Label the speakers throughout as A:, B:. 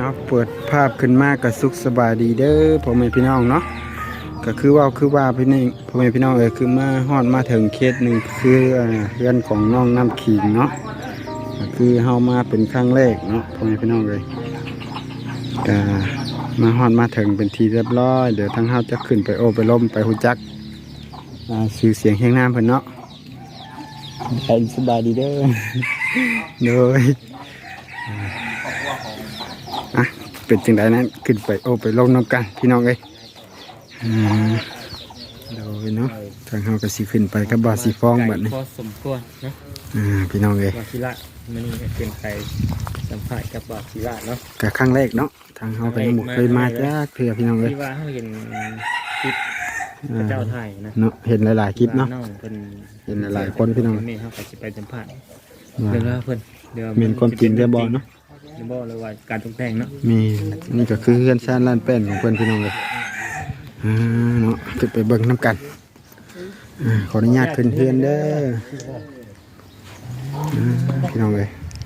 A: เอาเปิดภาพขึ้นมาก็สุขสบายดีเด้อพ่อแม่พี่น้องเนาะก็คือว่าพี่นี่พ่อแม่พี่น้องคือมาฮอดมาถึงเคสหนึ่งคือเรื่องของน้องน้ำขิงเนาะก็คือเฮามาเป็นครั้งแรกเนาะพ่อแม่พี่น้องก็มาฮอดมาถึงเป็นทีเรียบร้อยเดี๋ยวทั้งเฮาจะขึ้นไปโอไปล้มไปฮู้จักชื่อเสียงแห่งน้ำเพิ่นเนาะไปสบายดีเด้อ โดยเป็นจังไดนั้นขึ้นไปโอไปลงน้ำกันพี่น้องโดยเนาะทางเฮาก็สิขึ้นไปกับบาสีฟองบัดนี้
B: พอสมควรนะ
A: พี่น้อง
B: บาศิระมันนี่เป็นใครสัมภาษณ์กับบาศิระเนาะ
A: ก็ครั้งแรกเนาะทางเฮาก็ยังบ่เคยมาจ้าเพื่อพี่น้อง
B: ที่ว่าเฮาเห็นคลิปพระเจ้าไทยนะ
A: เนาะเห็นหลายๆคลิปเนาะ
B: เห็น
A: หลายคนพี่น้อง
B: นี่เฮาก็สิไปสัมภาษณ์เดี๋ยวเพิ่นเดี๋ยว
A: เป็นความจริงเด้อบ่เนาะ
B: บ่เลยว่าการตกแต่งเนาะ
A: มีนี่ก็คือเฮือนชานล้านแป้นของเพิ่นพี่น้องเนาะขึ้นไปเบิ่งน้ำกันขออนุญาตขึ้นเฮือนเด้อพี่น้อง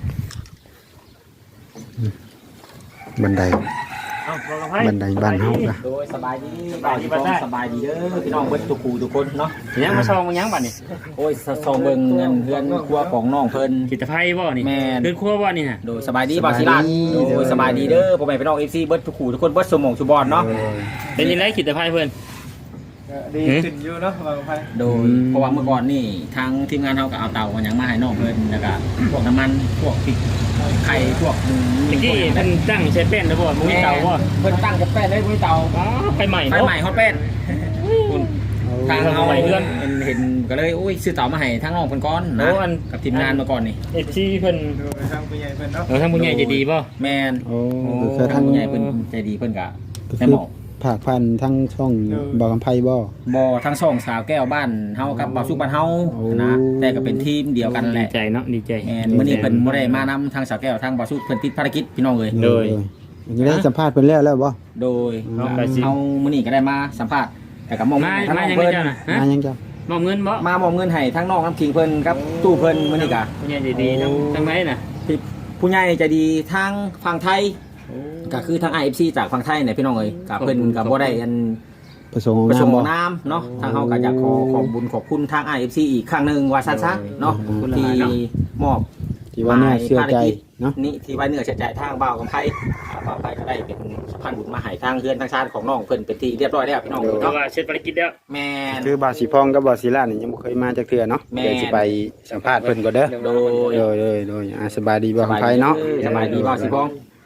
A: บันไดบ้านเฮาค่ะ
C: โดยสบายดีสบายดีเด้อพี่น้องเบิ่งทุกคนเนาะ
B: ยังมาซองยังบัดนี้
C: โอ้ยซองเบิ่งเงินเฮือนครัวของน้องเพิ่น
B: กิตภัยบ่นี่
C: แม่
B: เฮือนครัวบ่นี่ฮะ
C: โดยสบายดีบ่าวศิลาโดยสบายดีเด้อพ่อแม่พี่น้อง FC เบิ่งทุกคนเบิ่งสมองสุบอนเนาะ
B: เป็นยังไงกิตภัยเพิ่น
D: ดีขึ้นอยู่เนาะบางไฟ
C: โดยเพราะว่าเมื่อก่อนนี่ทางทีมงานเฮาก็เอาเตาหยังมาให้น้องเพิ่นแล้วก็พวกน้ำมันพวกพริกไข่พวก
B: เมื่อกี้เพิ่นตั้งใช้แป้นแล้วบ่มีเตาบ่
C: เพิ่นตั้งกับแป้นได้มีเตา
B: ไฟใหม่
C: ฮอตแป้นคุณทางเฮาเพื่อนเห็นก็เลยโอ้ยซื้อเตามาให้ทางน้องเพิ่นก่อนนะกับทีมงานมาก่อนนี่
B: FCเพิ่น
D: ทางผู้ใหญ่เพิ่นเนาะ
B: ทางผู้ใหญ่ใจดีบ่
C: แม่น
A: โอ้
C: ทางผู้ใหญ่เพิ่นใจดีเพิ่นก็ได้บอก
A: ผากพันทั้งช่องบ่อกำไพบ่
C: ทั้งช่องสาวแก้วบ้านเฮากับบ่าวสุกบ้านเฮานะแต่ก็เป็นทีมเดียวกันแหละ
B: ดีใจเนาะดีใจ
C: มื้อนี้เพิ่นบ่ได้มานำทางสาวแก้วทางบ่าวสุกเพิ่นติดภารกิจพี่น้องเอ้ย
B: โดย
A: ยังได้สัมภาษณ์เพิ่นแล้วบ่
C: โดยเฮามื้อนี้ก็ได้มาสัมภาษณ์แต่ก็มอง
B: ทางน้องเพิ่น
A: มายังจ้ะ
B: มอบเงินบ่
C: มามอบเงินให้ทางน้องน้ำขิงเพิ่นกับตู้เพิ่นมื้อนี้ก็
B: ผู้ใหญ่ใจดีทางไหนน่ะ
C: ผู้ใหญ่ใจดีทางฝั่งไทยก็คือทาง IFC จากฝั่งไทยเนี่ยพี่น้องเอ้ยกับเพิ่นกับบ่ได้อัน
A: ประสงค์
C: น้ำเนาะทางเฮาก็อยากขอบบุญขอบคุณทาง IFC อีกครั้งนึงว่าซั่นๆเนาะที่มอบ
A: ที่ว่าเนื้อเชื่อใจเนาะ
C: นี่ที่ไว้เนื้อเชื่อใจทางบ่าวกับไผบ่าวไผก็ได้เป็นสะพานบุญมาให้ทางเฮือนทางชาติของน้องเพิ่นเป็นที่เรียบร้อยแล้วพี่น้อง
B: เนาะว่าเสร็จภารกิจแล้ว
C: แม่น
A: คือบาสีพองกับบาสีลานี่ยังบ่เคยมาจักเทื่อเนาะเดี๋ยวสิไปสัมภาษณ์เพิ่นก่อนเด้อโดยสบายดีบ่าวไผเนาะ
C: สบายดีบ่าวสีพอง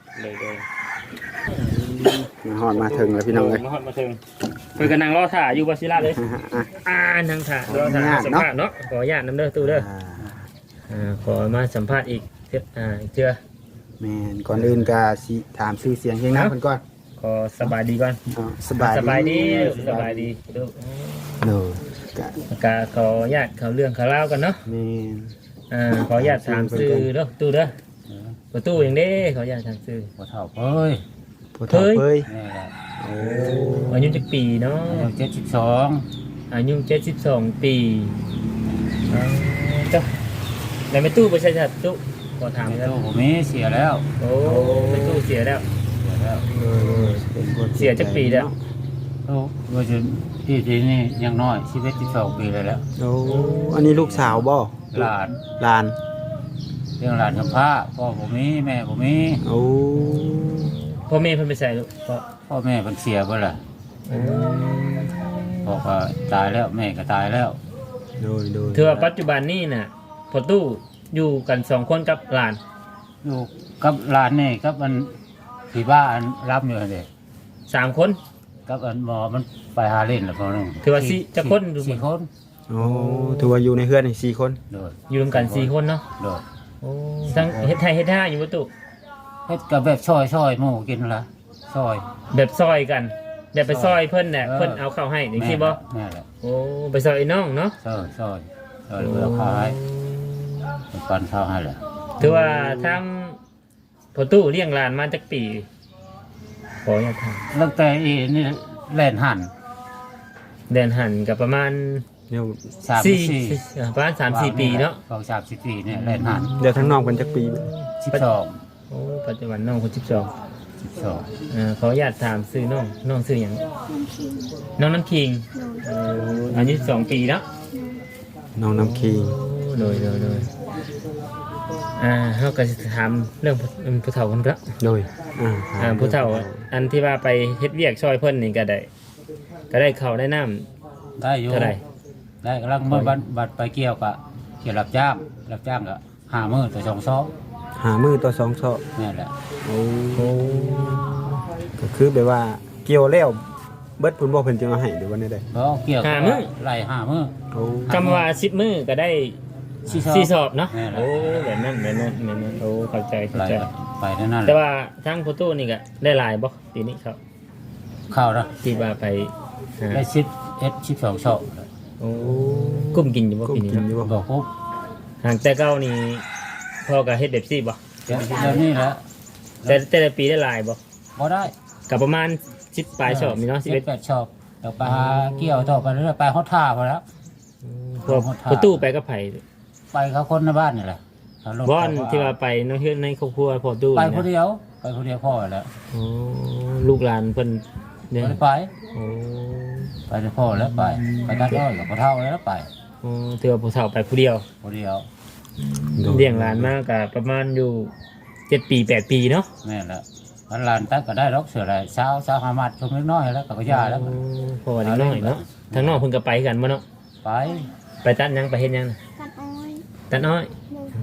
A: มาฮอดมาถึงแล้วพี่น้องเอ้ย
B: มาฮอดมาถึงเพิ่นก็นั่งรอถ่าอยู่บาศิระเลยนั่งถ่ารอถ่าสัมภาษณ์เนาะขออนุญาตนำเด้อตู้เด้อขอมาสัมภาษณ์อีกเจือ
A: แม่นก่อนอื่นก็สิถามชื่อเสียงเฮียงน้ำเพิ่นก่อน
B: ขอสบายดีก่อน
A: สบายดี
B: ลูก
A: ก็
B: ขออนุญาตเขาเรื่องเขาเล่ากันเนาะ
A: แม่
B: นขออนุญาตถามชื่อเด้อตู้เด้อประตูอย่างนี้ขออนุญาตถามชื่อ
D: บ่เฒ่าเอ้ย
B: อายุจักปีเนาะ
D: 72
B: อายุ72ปีจ้ะแล้วไม่ตู้ประชาชนตู้ขอถามแล้ว
D: ผมเสียแล้ว
B: โอ้ไม่ตู้เสียแล้วเสียจักปีแล้ว
D: โอ้ว่าจะที่นี่ยังน้อย12ปีแล้ว
A: โอ้อันนี้ลูกสาวบ่
D: หลานเรื่องหลานกับพระพ่อผมมีแม่ผมมี
A: โอ้
B: พ่อแม่เพิ่นไปใส่ลูก
D: พ่อแม่เพิ่นเสียบ่ล่ะพ่อก็ตายแล้วแม่ก็ตายแล้ว
A: โดย
B: ถือว่าปัจจุบันนี้น่ะพ่อตู้อยู่กัน2คนกับหลาน
D: อยู่กับหลานนี่กับอันที่บ้านรับอยู่นั่นเด้
B: 3คน
D: กับอันหมอมันไปหาเล่นแล้วพอนึง
B: ถือว่า4จักคน
D: 4คน
A: โอ้ถือว่าอยู่ในเฮือนนี่4คน
B: อยู่รวมกัน4คนเนาะโอ้ทั้งเฮ็ดไทยเฮ็ดท่าอยู่บ่ตู้
D: เฮ็ดกับแบบซอยหมู่กินละซอย
B: แบบซอยกันแบบไปซอยเพิ่นน่ะเพิ่นเอาข้าวให้จังซี่บ่
D: แม่แหละ
B: โอ้ไปซอยน้องเนาะ
D: ซอยเอาข้าวให้ปันข้าวให้แหละ
B: ถือว่าทั้งพ่อตู้เลี้ยงหลานมาจักปีขออยากถาม
D: ตั้งแต่นี่แล่นหั่น
B: กับประมาณประมาณ 3-4 ปีเนาะ
D: 3-4 ปีเนี่ยแล่นหั่น
A: เดี๋ยวทั้งน้องเพิ่นจักปี
D: 12
B: โอ้ปัจจุบันน้องคน12
D: สอง
B: ขออนุญาตถามซื้อน้องซื้อหยัง
E: น้ำขิง
B: น้องน้ำคิง อายุ2 ปีเนาะ
A: น้องน้ำคิง
B: โดยเขาก็จะถามเรื่องผู้เฒ่าคนละ
A: โดย
B: ผู้เฒ่าอันที่ว่าไปเฮ็ดเวียกช่วยเพิ่นนี่ก็ได้ข้าวได้น้ำ
D: ได้อยู่
B: เท่าไหร่
D: ได้กำลังเมื่อบัดไปเกี่ยวกะเกี่ยวรับจ้างก็5 มื้อต่อ2 ซอก
A: หามือต่อสองซอก
D: นี่แหละ
A: โอ้ก็คือแบบว่าเกี่ยวแล้วเบิดพุ่นบ่เพิ่นจะมาให้หรือว่าได้
D: เพราะเกี่ยวก็ไล่5 มื้อ
A: โอ้
B: คำว่า10 มื้อก็ได้ 4 สอบเนาะ
D: แม่นแล้ว
B: โอ้แบบนั้นโอ้เข้าใจ
D: ไล่ไปนั่นแห
B: แต่
D: ละ
B: ว่าทั้งผู้ตู้นี่ก็ได้หลายบ่ปีนี้ครับ
D: เข้าแล้ว
B: ที่ว่าไปหา
D: ได้12 ซอก
B: โอ้กุ้มกินอยู่บ่
A: ก็
B: ปีนี้
A: กิน
B: เนาะ
A: อยู่บ่
D: ก็ครบ
B: ห่างแต่เก่านี่พ่อก็เฮ็ดแบบซี่บ่
D: เดี๋ยวนี้แหละ
B: แต่ละปีได้หลายบ่
D: บ่ได้
B: ก็ประมาณ10 ปลายสอบนี่เนาะ11
D: 8 ซอกเดี๋ยวไปหาเกี่ยวต่อไปเรื่อยๆไปฮอดท่าพอแล้ว
B: พอผู้ตู้ไปก็ไผ
D: ไปเขาคนในบ้านนี่แหละ
B: บ่อนที่ว่าไปเนาะเฮ็ดในครอบครัวพ่อตู้
D: ไป
B: นี่
D: คน
B: นะ
D: เดียวพ่อแล้ว
B: อ๋อลูกหลานเพิ่นเนี่ย
D: ไม่ได้ไป
B: โอ้
D: ไปได้พ่อแล้วไปตัดอ้อยกับพ่อเฒ่าแล้วไป
B: อ๋อถือว่าผู้เฒ่าไปผู้เดียว
D: คนเดียว
B: เลี้ยงหลานมาก็ประมาณอยู่7 ปี8 ปีเนาะ
D: แม่นแล้วมันหลานตัดก็ได้รอกเสืออะไรเช้าหามัดชมเล็กน้อยแล้วก็ยาแล้ว
B: เพราะว่าเด็กน้อยเนาะทางนอกเพิ่นก็ไปกันบ่เนาะ
D: ไป
B: ไปตัดหยังไปเฮ็ดหยังน่ะ
E: กันอ้อย
B: ตัดอ้อย
E: โดย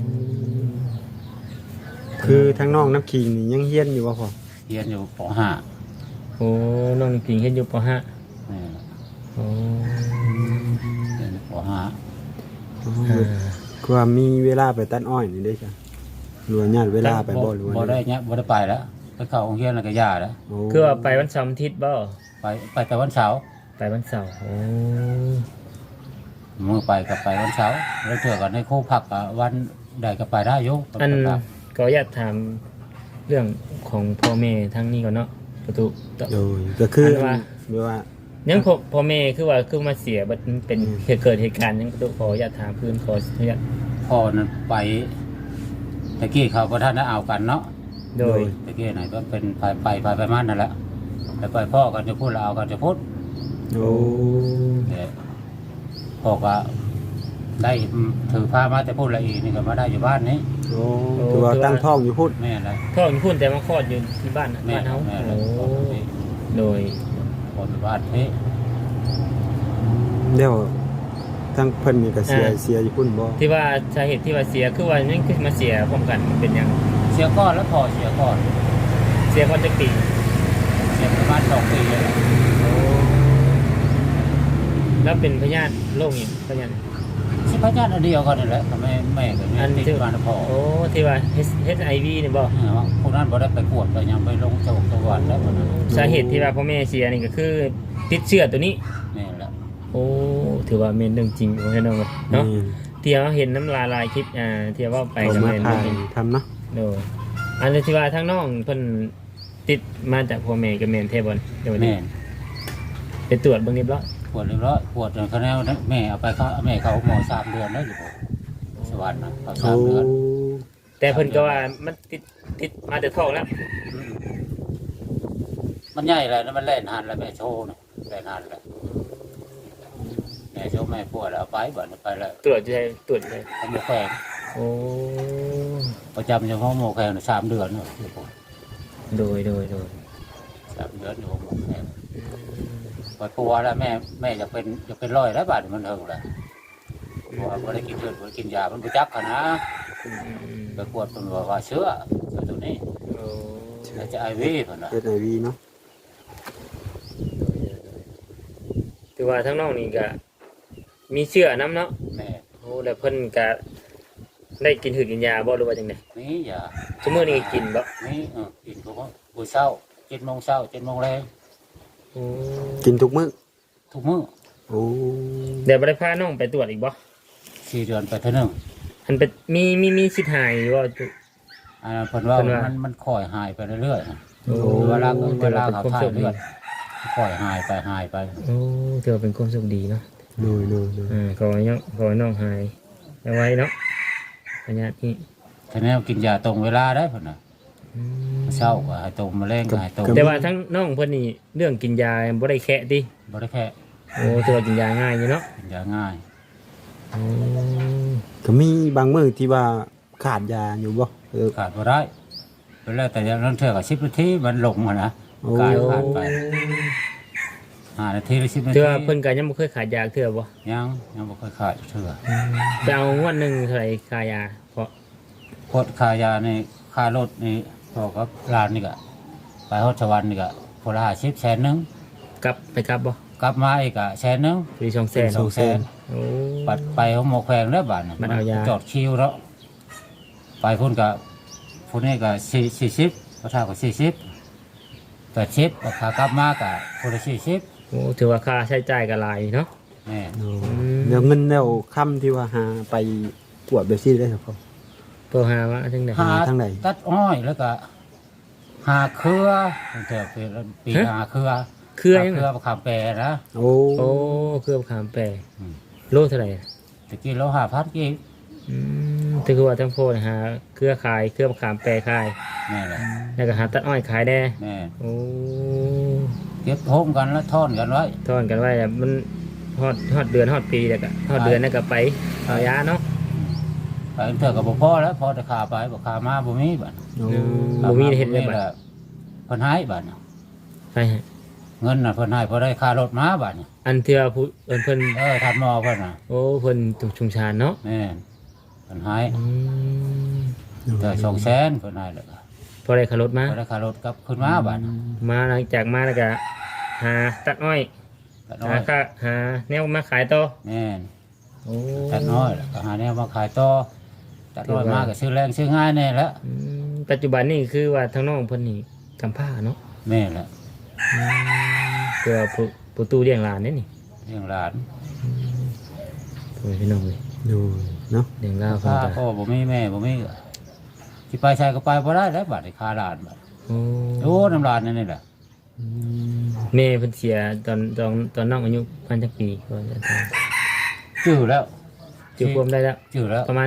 A: คือทั้งน้องน้ำคิงนี่ยังเฮียนอยู่บ่พ่อ
D: เรียนอยู่ป
B: โอ้น้องพิงเฮ็ดอยู่ป .5
D: .5 นี่
B: โอ้
D: เรียนอยู่ป
A: คือว่ามีเวลาไปตัดอ้อยนี่ได้จ้ะหรือว่าญาติเวลาไปบ่หรือว่า
D: บ่ได้เนี่ยบ่ได้ไปแล้วไปเข้าโรงเรียนแล้วก็ยาแล้ว
A: โอ้
B: คือว่าไปวันเสาร์อาทิตย์บ่
D: ไปแต่วันเสาร์
B: ไปวันเสาร์โอ้
D: มือไปกับไปวันเสาร์แล้วเถื่อกันให้ครูพักกับวันใดก็ไปได้อยู่
B: อันก็อยากถามเรื่องของพ่อแม่ทั้งนี้ก่อนเนาะประตูต่อ
A: โดยก็คือ
B: อันว่า
A: แบบว่า
B: ยังพ่อแม่คือว่าคือมาเสียบัดมันเป็นเกิดเหตุการณ์ยังประตูขออยากถามเพื่อนขออนุญาต
D: พ่อนั้นไปตะกี้เขาก็ท่านได้เอากันเนาะ
B: โดย
D: ตะกี้ไหนก็เป็นไปมานั่นแหละไปพ่อกันจะพูดแล้วเอากันจะพูด
A: โอ้
D: แต่พ่อก็ได้ถือผ้ามาแต่พูดละอีนี่ก็มาได้อยู่บ้านนี้
A: โอ้คือว่าตั้งท้องอยู่พุ่น
D: แม่ละ
B: พ่ออยู่พูดแต่มาคลอดอยู่ที่บ้าน
D: แม่
B: บ้านเฮา
D: แม่ละ
B: โอ้โดย
D: คนบ้านนี้
A: เดี๋ยวทั้งเพิ่นนี่ก็เสียอยู่พุ่นบ่
B: ที่ว่าสาเหตุที่ว่าเสียคือว่านั่นคือมาเสียพร้อมกันมันเป็นหยัง
D: เสียก้อนแล้วพอเสียก้อน
B: เสียคนจักปี
D: เสียประมาณ2 ปีเลย
B: แล้วเป็นพยาธิโรคอีกพยาธิ
D: สิพระญาติอันเดียวกันนี่แหละทำไมแม่กับแม่
B: อัน
D: ติด
B: ที่
D: บ้านพ่อ
B: โอ้ที่ว่า HIV นี่บ่
D: พวกนั้นบ่ได้ไปกวดไปยังไปลงจังหวัดแล้วคนนั้น
B: สาเหตุที่ว่าพ่อแม่เสียนี่ก็คือติดเชื้อตัวนี้
D: แม่ละ
B: โอ้ถือว่าเป็นเรื่องจริงของพี่น้องเนาะ
A: นี่
B: ที่เราเห็นน้ำลายคลิปที่ว่าไป
A: เอา
B: กับ
A: มา
B: แม่น
A: ถ่าย
B: เห็น
A: ทำเนาะ
B: โดยอันที่ว่าทั้งน้องเพิ่นติดมาจากพ่อแม่กับแม่นเทบอนเดี๋ยว
D: แม่
B: นี้ไปตรวจเบิ่งเรียบร้อย
D: ปวดเรียบร้อยปวดจนเขาแนวแม่เอาไปเขาแม่เขาหมอ3 เดือนแล้วอยู่สวรรค์นะเขา
A: โอ้
D: 3 เดือน
B: แต่เพิ่นก็ว่ามันติดมาแต่ท้องแล้ว
D: มันใหญ่เลยนะมันแล่นหันแล้วแม่โชว์นะแล่นหันแล้วแม่โชว์แม่ปวดแล้วเอาไปบ่ไปแล้ว
B: ตรวจใจ
D: เอาหมอแขง
B: โอ้
D: ประจำอยู่ห้องหมอแขง3 เดือนเนาะ
B: โดย
D: 3 เดือนอยู่ห้องหมอแขงปวดปัวแล้วแม่จะเป็นร้อยแล้วบาดมันเถิงแล้วปัวบ่ได้กินเลือดบ่ได้กินยามันบ่จักขนาดไปปวดเป็นว่าเชื้อตัวนี้
B: โอ้
D: แล้วจะไอวเพิ่นน่ะ
A: HIV เนาะ
B: ถือว่าทั้งน้องนี่ก็มีเชื้อน้ำเนาะ
D: แม่
B: โอ้แล้วเพิ่นก็ได้กินหืดกินยาบ่หรือว่าจังได๋
D: นี่อย่า
B: ชั่วโมงนี้กินบ่
D: นี่กินเขาก็บุเช้า7 โมงเช้า7 โมงแรง
B: โอ้
A: กินทุกมื้อ
D: ทุกมื้อ
A: โอ้
B: เดี๋ยวบ่ได้พาน้องไปตรวจอีกบ่
D: 4 เดือนไปเท่านึง
B: อันเป็นมีสิทธิ์หายว่า
D: เพิ่นว่า
B: เพิ่นว่า
D: มันค่อยหายไปเรื่อยๆนะ
B: โอ้
D: เวลาเขาถ่ายเลือดค่อยหายไป
B: โอ้เธอเป็นความสุขดีเนาะ
A: โดย
B: ขอให้น้องหายเอาไว้เนาะพญาธิ
D: ทีนี้กินยาตรงเวลาได้เพิ่นน่ะเช้าก็ให้ต้มมื้อแลงก็ให้ต้ม
B: แต่ว่าทั้งน้องเพิ่นนี่เรื่องกินยาบ่ได้แคะติ
D: บ่ได้แค่
B: โอ้ถือว่ากินยาง่ายอยู่เนาะ
D: กินยาง่าย
A: ก็มีบางมื้อที่ว่าขาดยาอยู่บ่
D: ขาดบ่ได้เวลาแต่อย่างนั้นเทื่อก็10นาทีมันลงหั่นนะ
A: โอ้
D: ขาดไป5นาทีหรือ10นาที
B: เทื่อเพิ่นก็ยังบ่เคยขาดยาเทื่อบ่
D: ยังบ่เคยขาดเทื่อ
B: ไปเอางวดหนึงเท่าไหร่ค่ายาเพราะ
D: พดค่ายานี่ค่ารถนี่พอกับร้านนี่ก็ไปฮอดสวรรค์นี่ก็พนละ50แสนนึง
B: กลับไปกลับบ่
D: กลับมาอีกก็แสนนึง
B: ปี200,000
D: 2แสน
B: โอ้
D: ปัดไปของหมอแขวงแล้วบาดน่ะ
B: มันเอายา
D: จอดคิวแล้วไปพุ่นก็พุ่นนี่ก็40พระเท่าก็40 80ราคากลับมาก็พุ่นละ40
B: โอ้ถือว่าค่าใช้จ่ายก็หลายเนาะ
D: แม่
A: เดี๋ยวเงินแล้วค่ำที่ว่าหาไปกวดแบบซี่ได้ครับพ่อ
B: เพื่อหาว่าจังได๋
D: หา
A: ทางไหน
D: ตัดอ้อยแล้วก็หาเครือตั้งแต่ปีหาเครือ
B: เครือยัง
D: เครือมะขามแปรนะ
A: โอ้
B: โอ้เครือมะขามแปร
D: อืม
B: โลเท่าไหร่
D: ตะกี้เรา5,000กิน
B: ถือว่าทั้งโพดหาเครือขายเครือมะขามแปรขาย
D: แม่แหละ
B: แล้วก็หาตัดอ้อยขายได้
D: แม่
B: โอ้
D: เก็บโฮมกันแล้วทอนกันไว้
B: ทอนกันไว้แล้วมันฮอดเดือนฮอดปีแล้วก็ฮอดเดือนแล้วก็ไปเอายาเนาะ
D: ไปเถอะกับพ่อแล้วพอจะขาไปบอกขามาบ่มีบัด
A: โอ้
B: บ่มีเฮ็ดเลยบัด
D: เพิ่นให้บัดน่ะ
B: ไปฮะ
D: เงินน่ะเพิ่นให้พอได้ค่ารถมาบัดน่ะ
B: อันเทื่อผู้เพิ่น
D: ทัดหมอเพิ่นน่ะ
B: โอ้เพิ่นชุมชานเนาะ
D: แม่นเพิ่นให้
B: อืม
D: แต่200,000เพิ่นให้แล้วก็
B: พอได้ขับรถมา
D: พอได้ค่ารถกลับขึ้นมาบัดน่ะ
B: มาหลังจากมาแล้วก็หาตัดอ้อย
D: ตัดน้อ
B: หาย ค่าหาแนวมาขายต่อ
D: แม่น
B: โอ้
D: ตัดน้อยแล้วก็หาแนวมาขายต่อตัดน้อยมาก็ซื้อแรงซื้อง่ายแน่แล้ว
B: อืมปัจจุบันนี่คือว่าทางน้องเพิ่นนี่กำพร้าเนาะ
D: แม่นแหละ
B: เพื่อผู้ตู้เลี้ยงหลานนี่นี่
D: เลี้ยงหลาน
B: โอ้ยพี่น้องเลย
A: ดูเนาะ
B: เลี้ยงลาวเพิ่น
D: ข้า
B: ก็
D: พ่อบ่มีแม่บ่มีสิไปใช้ก็ไปบ่ได้แล้วบัดนี้ค่าหลานบัด
B: โอ้
D: โอ้น้ำหลานนั่นนี่แหละ
B: แม่เพิ่นเสียตอนน้องอายุพันจักปีก่อนจะตาย
D: จื้อแล้ว
B: จือความได้แล้ว
D: จื้อแล้ว
B: ประมาณ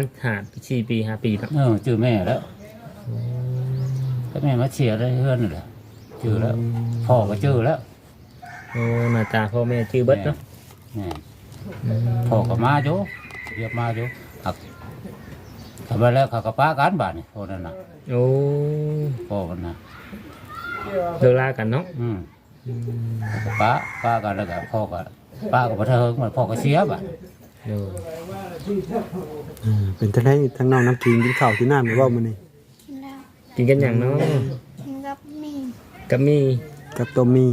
B: 4 ปี5 ปีเนาะ
D: จื้อแม่แล้วก็แม่มาเชียร์ได้เพื่อนนี่แหละจื้อแล้วพ่อก็จื้อแล้ว
B: โอ้หน้าตาพ่อแม่ชื่อเบิดเนาะ
D: แม่
B: อืม
D: พ่อก็มาอยู่เรียกมาอยู่หักทำไปแล้วเขาก็ป้ากันบ้านนี่พ่อนั่นน่ะ
B: โอ้
D: พ่อมันนะ
B: เลิกลากันเนาะ
D: เขาก็ป้ากันแล้วก็พ่อก็ป้าก็บ่เทิงมันพ่อก็เสียบ้าน
B: โอ้
A: เป็นจังได๋ทั้งน้องน้ำกินกินข้าวที่น้ำหรือว่ามื้อนี้
E: กินแล้ว
B: กินกันอย่างเนาะ
E: กินกับมี
B: กับมี
A: กับต้มมี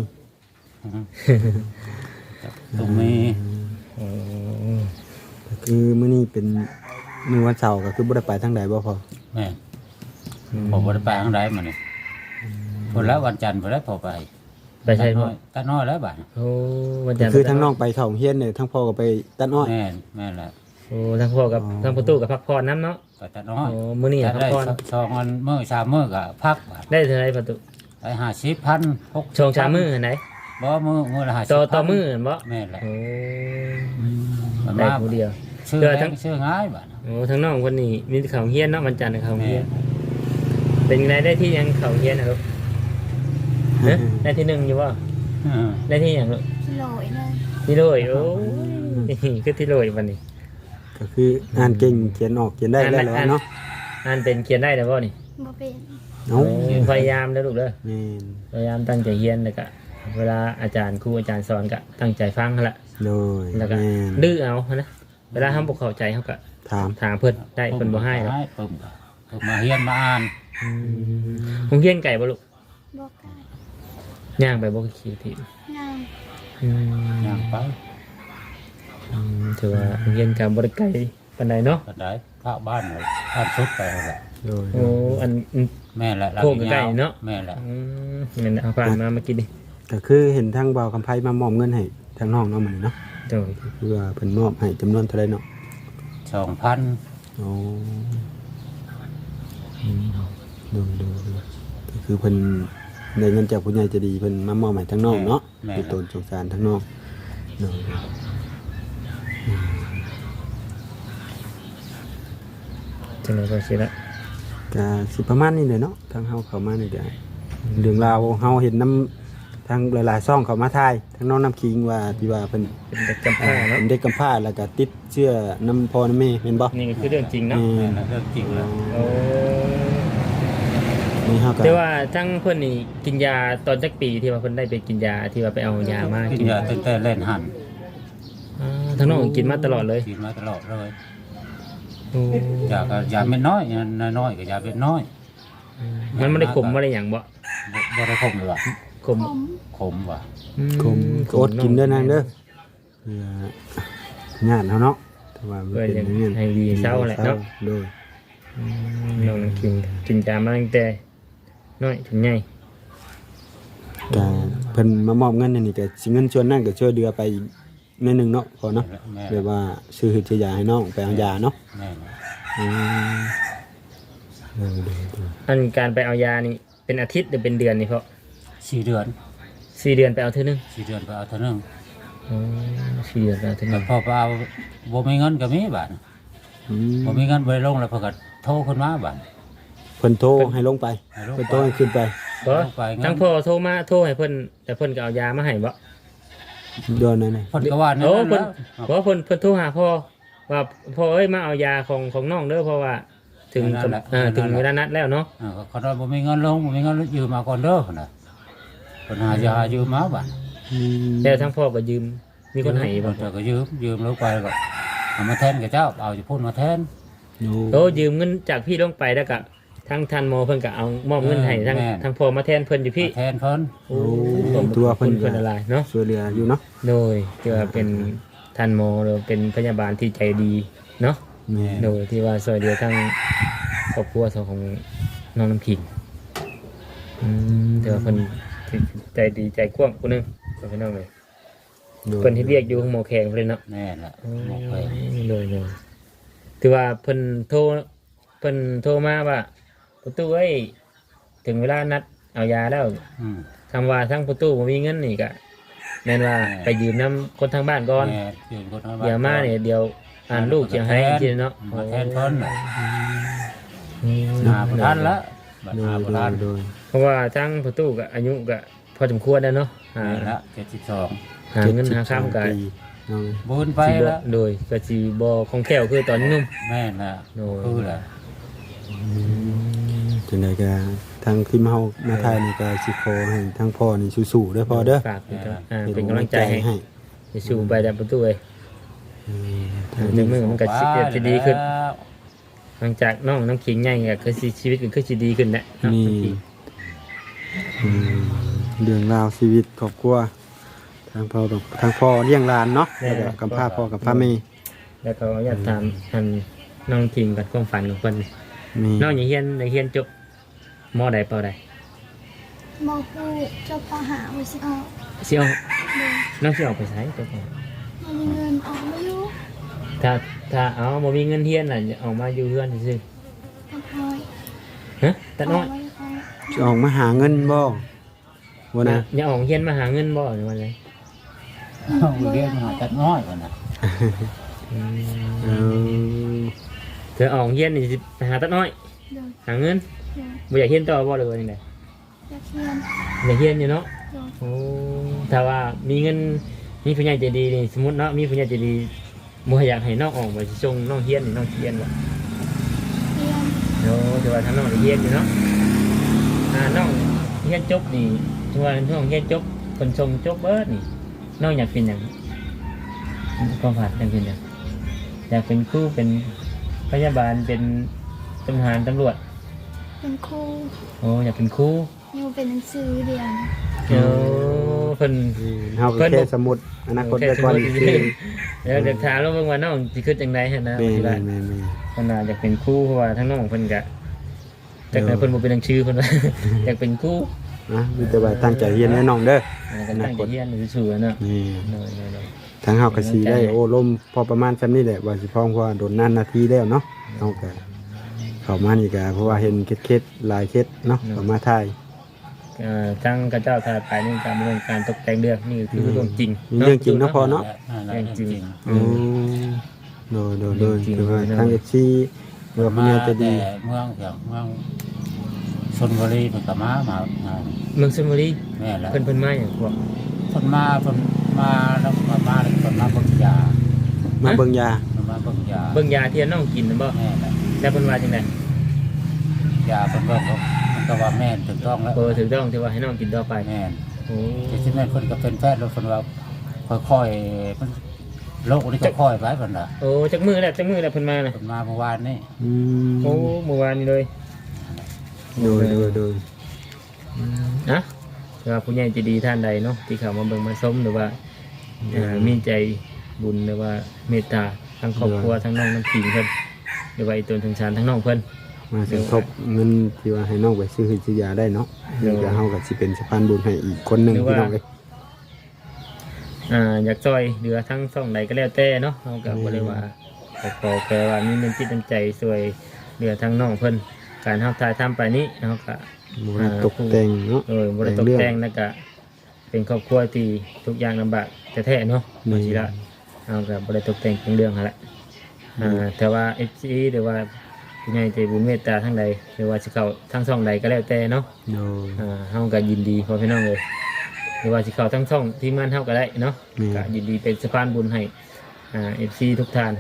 D: ตรงนี้
B: โอ้
A: ก็คือมื้อนี้เป็นมื้อวันเสาร์ก็คือบ่ได้ไปทางใดบ่พอ
D: แม่ผมบ่ได้ไปทางใดมานี่พอแล้ววันจันทร์พอแล้วพอไป
B: ไปใช่พ่อ
D: ตัดน้อยแล้วบ้าน
B: โอ้วันจันทร์
A: คือทั้งน้องไปเข้าโรงเรียนเนี่ยทั้งพ่อก็ไปตัดอ้อย
D: แม่นแหละ
B: โอ้ทั้งพ่อกับทั้งประตูกับพักผ่อนน้ำเนาะ
D: ก็ตัดน้อย
B: โอ้มื้อนี้
D: ตัด
B: พัก
D: ได้
B: ผ่อน
D: สองวันมื้อสามมื้อก็พักบาท
B: ได้เท่าไหรประตู
D: ได้50,000
B: ชงชามมือไหน
D: บ่มื้อละ50,000
B: ต่อมือเห็นบ่
D: แม่นแหละ
B: โอ้
D: มัน
B: ได้
D: มา
B: ผู้เดียว
D: ชื่อ
B: เดือ
D: แร
B: ทั้
D: ง
B: ง
D: ชื่อง่ายบาท
B: โอ้ทั้งน้องคนนี้มีเขาเฮียนเนาะวันจันทร์เขา
D: แม่
B: เฮียนเป็นไงได้ที่ยังเขาเฮียนนะลูกฮะได้ที่หนึ่งอยู่บ่ได้ที่อย่างลูก
E: กิโลอีกเลย
B: ที่โรยโอ้ยคือที่โรยวันนี้
A: ก็คืออ่านเก่งเขียนออกเขียนได้แล้วแหละเนาะ
B: อ่านเป็นเขียนได้แต่บ่นี่
E: บ่เป็น
A: เนาะ
B: พยายามแล้วลูกเด้อ
A: แม่น
B: พยายามตั้งใจเรียนแล้วก็เวลาอาจารย์ครูอาจารย์สอนก็ตั้งใจฟังหั่นละ
A: โดย
B: แล้วก็
A: แม่น
B: ดื้อเอานะเวลาทำบ่เข้าใจเขาก็
A: ถาม
B: ถามเพิ่นได้เพิ่นบ่ให้หรอก
D: ปึ้มมาเฮียนมาอ่าน
B: ผมเฮียนไก่บ่ลูก
E: บ่กล้า
B: ย่างไปบ่ขี่ที
E: นั่ง
D: ย่างไป
B: ถือว่าโรงเรียนการบริการปานใดเนาะ
D: ก็ได้ข้าวบ้านเลยบ้านสุดไปนั่นแหละ
A: โดย
B: โอ้อัน
D: แม่แหละ
B: โคกใกล้ๆเนาะ
D: แม่แหละ
B: เงินเอาผ่านมากินดิ
A: ก็คือเห็นทางบ่าวคำไผมามอบเงินให้ทางน้องเนาะมื้อนี้เนาะ
B: โดย
A: คือว่าเพิ่นมอบให้จำนวนเท่าใดเนาะ
D: 2,000
A: โอ้ดูก็คือเพิ่นได้เงินจากผู้ใหญ่ใจะดีเพิ่นมามอบให้ทางน้องเนาะเป็นตนสงสารทางน้องเนาะ
B: จังได๋ก็สิละ
A: ก็สิประมาณนี้เลยเนาะทางเฮาเข้ามานี่ได้เรื่องราวเฮาเห็นน้ำทางหลายๆซ่องเข้ามาถ่ายทางน้องน้ำคิงว่าที่ว่าเพิ่น
B: เป็นเด็กกำพร้าเนาะ
A: เป็นเด็กกำพร้าแล้วก็ติดเชื้อน้ำพ่อน้ำแม่แม่นบ่
B: นี่ก็คือเรื่องจริงเนาะ
D: เรื่องจริงแล้ว
B: โอ้
A: นี่เฮาก็
B: แต่ว่าทั้งเพิ่นนี่กินยาตอนจักปีที่ว่าเพิ่นได้ไปกินยาที่ว่าไปเอายามา
D: กินยาตั้งแต่เล่นหัน
B: ทั้งน้องกินมาตลอดเลย
D: กินมาตลอดเลย
B: โอ้
D: ยาก็ยาเม็ดน้อยยาน้อยก็ยาเม็ดน้อย
B: มันไม่ได้ขมบ่ได้หยังบ่
D: บ่ได้ขมเลยว่ะ
B: ขม
E: ผม
D: ขมว่ะ
A: คมอดกินเด้อนางเด้อญาติเฮาเนาะแต่ว่ามัน
B: เพื่อ
A: เป็น
B: จะ
A: อย่างนี้
B: ให้ดีเศร้าแหละเนาะ
A: โดย
B: น้องกินยามาตั้งแต่น้อยถึงใหญ่
A: ก็เพิ่นมามอบเงินนี่ก็สิเงินส่วนนั้นก็ช่วยเดือไปอีกนิดนึงเนาะพอเนาะ
D: แม่
A: แบบว่าซื้อซื้อยาให้น้องไปเอายาเนาะ
D: แม่
A: อืมเออเออ
B: อันการไปเอายานี่เป็นอาทิตย์หรือเป็นเดือนนี่เพราะ
D: 4 เดือน
B: 4 เดือนไปเอาเท่านึง
D: 4 เดือนไปเอาเท่านึง
B: อ๋อ4 เดือนไปเอาเท่านึ
D: แต่
B: ง
D: พอไปเอาบ่มีเงินก็มีบาด
A: อืม
D: บ่มีเงินบ่ได้ลงแล้วเพิ่นก็โทรขึ้นมาบาด
A: เพิ่นโทรให้ลงไป
D: ให้ลง
A: เพิ่นโทรให้ขึ้นไป
B: บ่
D: ลงไปเงิน
B: ทั้งพ่อโทรมาโทรให้เพิ่นแต่เพิ่นก็เอายามาให้บ่
A: เดือนนั้นน่ะ
D: เพิ่นก็ว่านั่น
B: โอ้
D: แห
B: เพิ่น
D: ล้ว
B: บ่เพิ่นโทรหาพ่อว่าพ่อเอ้ยมาเอายาของน้องเด้อเพราะว่าถึงถึงเวลานัดแล้วเนาะ
D: เขาว่าบ่มีเงินลงบ่มีเงินยืมมาก่อนเด้อพุ่นน่ะเพิ่นหายายืมมาบาด
A: อืม
B: แล้วทั้งพ่อก็ยืมมีคนให้บ่
D: เพิ่นก็ยืมลงไปแล้วก็เอามาแทนกับเจ้าเอาจะพูดมาแทน
B: โอ้ยืมเงินจากพี่ลงไปแล้วก็ทั้งทันโมเพิ่นก็เอามอบเงินให้ทั้งพ่อมาแทนเพิ่นอยู่พี่
D: มาแทนเพิ่น
B: โอ้ตัวเพิ่นอะไรเนาะ
A: ช่วยเหลืออยู่เนาะ
B: โดยที่ว่าเป็นทันโมหรือเป็นพยาบาลที่ใจดีเนาะ
A: แม่
B: โดยที่ว่าช่วยเหลือทั้งครอบครัวของน้องน้ำขิงแต่ว่าเพิ่นใจดีใจกว้างผู้หนึงเพิ่นน้องเลยเพิ่นที่เรียกอยู่ของหมอแขงเพิ่นเนาะ
D: แน่แหละ
B: เลยถือว่าเพิ่นโทรมาว่าประตูเอ้ยถึงเวลานัดเอายาแล้ว
D: อืม
B: คำว่าทั้งประตูบ่มีเงินนี่ก็แม่นว่าไปยืมน้ำคนทางบ้านก่อน
D: แม่ยืมคนทางบ้น
B: เดี๋ยวมาเนี่ยเดี๋ยวอ่านลูกเขียนให้ทีเนาะ
D: มาแทนเพิ่นน่ะ
B: อืม
D: หาบ่ทันละบัด
A: โด
D: หาย บ่ทัน
A: โดย
B: เพราะว่าทั้งประตูก็อายุก็พอสมควรแล้วเนาะหา
D: แม่ละ72
B: หาเงินหาข้ามกัน
A: ปีเนาะ
D: บุญไปละ
B: โดยก็สิบ่คล่องแคล่วคือตอนนี้นุ่ม
D: แม่ละ
B: โอ้ย
D: คือละ
A: จังไดก็ทางทีมเฮามาไทยนี่ก็สิขอให้ทางพ่อนี่สู้ๆเด้อพ่อเด้อ
B: ฝากเป็นกำลังใจให้ไปสู่ไปแต่ประตูเอ้ยถึงมือมันก็สิดีขึ้น หลังจากน้องน้ำขิงใหญ่ก็คือชีวิตก็คือสิดีขึ้นแหละเนาะ
A: นี่อืมเรื่องราวชีวิตครอบครัวทางพ่อเลี้ยงหลานเนาะแล้วก็กำพร้าพ่อกับพร้าแม่
B: แล้วก็อยากถามอันน้องขิงกับความฝันของเพิ่น
A: มี
B: น้องอย่าเฮียนจบมอใดเปล่าใด
E: มอคูเจ้าปาหาวิสิออก
B: สิเอา
E: เลย
B: น้องสิออกไปไสจบบ่
E: มันมีเงินออกไม่รู้
B: ถ้าเอาบ่มีเงินเฮียนน่ะจะออกมาอยู่เฮือนซื่อ
E: ก็คอย
B: ๆฮะแต่น้อย
E: ไม่คอย
A: สิออกมาหาเงินบ่บ่นะ
B: อย่าออกเฮียนมาหาเงินบ่หรือว่าไง
D: เอาเรียนมาตัดน้อยก่อนน่ะ
A: เออ
B: เธอออกเฮียนนี่สิไปหาตัดน้อย
E: เลย
B: หาเงิน
E: เลย
B: บ่อยากเฮียนต่อบ่หรือว่าจังได
E: อยากเรียน
B: อยากเฮียนอยู่เนาะ
E: เลย
B: โอ้ถ้าว่ามีเงินมีผู้ใหญ่ใจดีนี่สมมติเนาะมีผู้ใหญ่ใจดีบ่อยากให้น้องออกไปสิส่งน้องเฮียนนี่น้องเฮียนบ่
E: เรียน
B: โอ้แต่ว่าถ้าน้องได้เฮียนอยู่เนาะน้องเฮียนจบนี่ถ้าว่าน้องเฮียนจบคนส่งจบเบิดนี่น้องอยากเป็นหยังความฝันอยากเป็นหยังอยากเป็นครูเป็นพยาบาลเป็นทหารตำรวจ
E: เป็นครู
B: โอ้อยากเป็นครู
E: อยู่เป็นหนังสือเรียน
B: โอ้เพิ่น
A: เฮาก็แค่สมุดอนาคตไว้ก่อนคือ
B: เดี๋ยวถามเราเบิ่งว่าน้องสิคิดจังได๋หั่นนะ
A: แม่
B: สิว่า
A: แม่
B: เพิ่นน่าอยากเป็นครูเพราะว่าทั้งน้องเพิ่นก็แต่เพิ่นบ่เป็นหนังชื่อเพิ่นว่า อยากเป็นครู
A: นะมีแต่ว่าตั้งใจเรียนแน่น้องเด้อ
B: แล้วก็ตั้งใจเรียนซื่อๆเนาะ
A: นี่
B: เนาะ
A: ทางเฮาก็สิได้โอ้ลมพอประมาณซำนี้แหละว่าสิพร้อมเพราะว่าโดนนานนาทีแล้วเนาะเฮาก็เข้ามานี่ก็เพราะว่าเห็นเคล็ดๆหลายเคล็ดเนาะเข้ามาถ่าย
B: ทั้งกระเจ้าทาไปในการดำเนินการตกแต่งเรื่องนี่คือเรื่องจริง
A: มีเรื่องจริงเนาะพอเนาะ
B: เรื่องจริง
A: โอ้โดยคือว่าทาง FC เรือผู้ใหญ่ใจะดี
D: แต่เมืองอย่างเมืองชลบุรีมันก็มา
B: เมืองชลบุรี
D: แม่นแหละ
B: เพิ่นมาอย่างพวก
D: เพิ่นมาแล้วก็มาแล้วเพิ่นมาเบิ่งยา
A: มาเบิ่งยา
D: เพิ่นมาเบิ่งยา
B: เบิ่งยาที่น้องกินน่ะบ่
D: แม่นแหละ
B: แล้วเพิ่นว่าจังได๋
D: ยาเพิ่นเบิ่งมันก็ว่าแม่นถูกต้องแล้ว
B: ถูกต้องที่ว่าให้น้องกินต่อไป
D: แม่น
B: โอ้
D: แต่ที่แม่นเพิ่นก็เป็นแพทย์แล้วเพิ่นว่าค่อยๆมันโรคนี้ก็ค่อยไปเพิ่นน่ะ
B: โอ้จักมื้อแล้วเพิ่นมาน่ะ
D: เพิ่นมาเมื่อวานนี่
A: อืม
B: โอ้เมื่อวานนี้เลย
A: โดย
B: นะว่าผู้ใหญ่ใจะดีท่านใดเนาะที่เข้ามาเบิ่งมาชมหรือว่ามีใจบุญหรือว่าเมตตาทั้งครอบครัวทั้งน้องน้ำขิงเพิ่นหรือว่าไอ้ตนสงสารทั้งน้องเพิ่น
A: มาสมทบเงินที่ว่าให้น้องไปซื้อซื้อยาได้เนาะเดี๋ยวเฮาก็สิเป็นสะพานบุญให้อีกคนหนึงพี่น้องเอ้ย
B: อยากช่วยเหลือทั้งช่องใดก็แล้วแต่เนาะเฮาก็บ่ได้ว่าขอแค่ว่ามีน้ำจิตน้ำใจช่วยเหลือทั้งน้องเพิ่นการเฮาถ่ายทำไปนี้เฮาก็
A: บ่ได้ตกแต่งเนาะ
B: บริตกแต่งแล้วก็เป็นครอบครัวที่ทุกอย่างลำบากแท้ๆเนาะบางทีละเอากับบริตกแต่งเป็นเรื่องอะไรแต่ว่าเอฟซีหรือว่าผู้ใหญ่ใจบุญเมตตาทั้งใดหรือว่าสิเขาทั้งช่องใดก็แล้วแต่เนาะ
A: โดย
B: เฮาก็ยินดีพอพี่น้องเลยหรือว่าสิเขาทั้งช่องทีมงานเฮาก็ได้เนาะก็ยินดีเป็นสะพานบุญให้เอฟซีทุกท่าน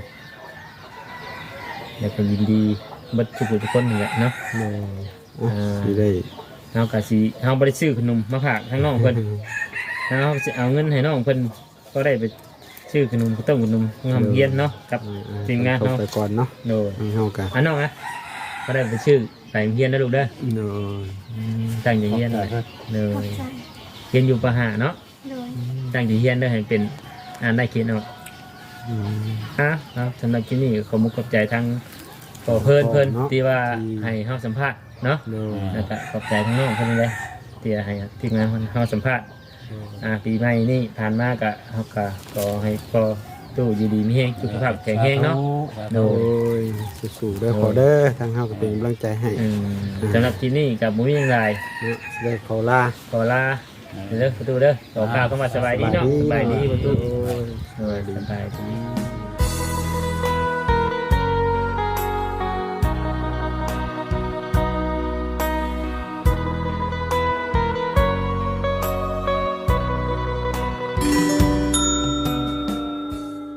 B: แล้วก็ยินดีบัดทุกคนนี่แหละเนาะ
A: โดยสิได้
B: เฮาก็สิเฮาบ่ได้ซื้อขนมมาฝากทั้งน้องเพิ่นเฮาสิเอาเงินให้น้องเพิ่นก็ได้ไปซื้อขนมข้าวต้มขนมงามเฮียนเนาะกับทีมงาน
A: เข้า
B: เฮา
A: ไปก่อนเนาะ
B: โดย
A: ให้เฮาก็
B: น้องนะก็ได้ไปซื้อไปเฮียนนะลูกเด้อ
A: โดย
B: ตั้งใจเฮียนเลย
E: ขอบ
B: ย
E: ใจ
B: เฮียนอยู่ปะหาเนาะ
E: โดย
B: ตั้งใจเฮียนเด้อให้เป็นได้เขียนออก
A: อืม
B: ครับสำหรับที่นี่ขอมุกขอบใจทั้งขอเพิ่นที่ว่าให้เฮาสัมภาษณ์เนาะ
A: โดย
B: แล้วก็ขอบใจทั้งน้องเพิ่นเลยที่ให้ทีมงานเฮาสัมภาษณ์ปีใหม่นี่ผ่านมาก็เฮาก็ขอให้พอตู้อยู่ดีมีแฮงสุขภาพแข็งแรงเนาะ
A: โดยสู้ๆเด้อขอเด้อทางเฮาก็เป็นกำลังใจให้
B: สำหรับที่นี่กับมุ้ยยังไง
A: เนาะสิได้ขอลา
B: ขอลาเด้อประตูเด้อขอข้าวเข้ามาสบายดีเนาะสบายดีประตู
A: โอ้ย
B: สบายดี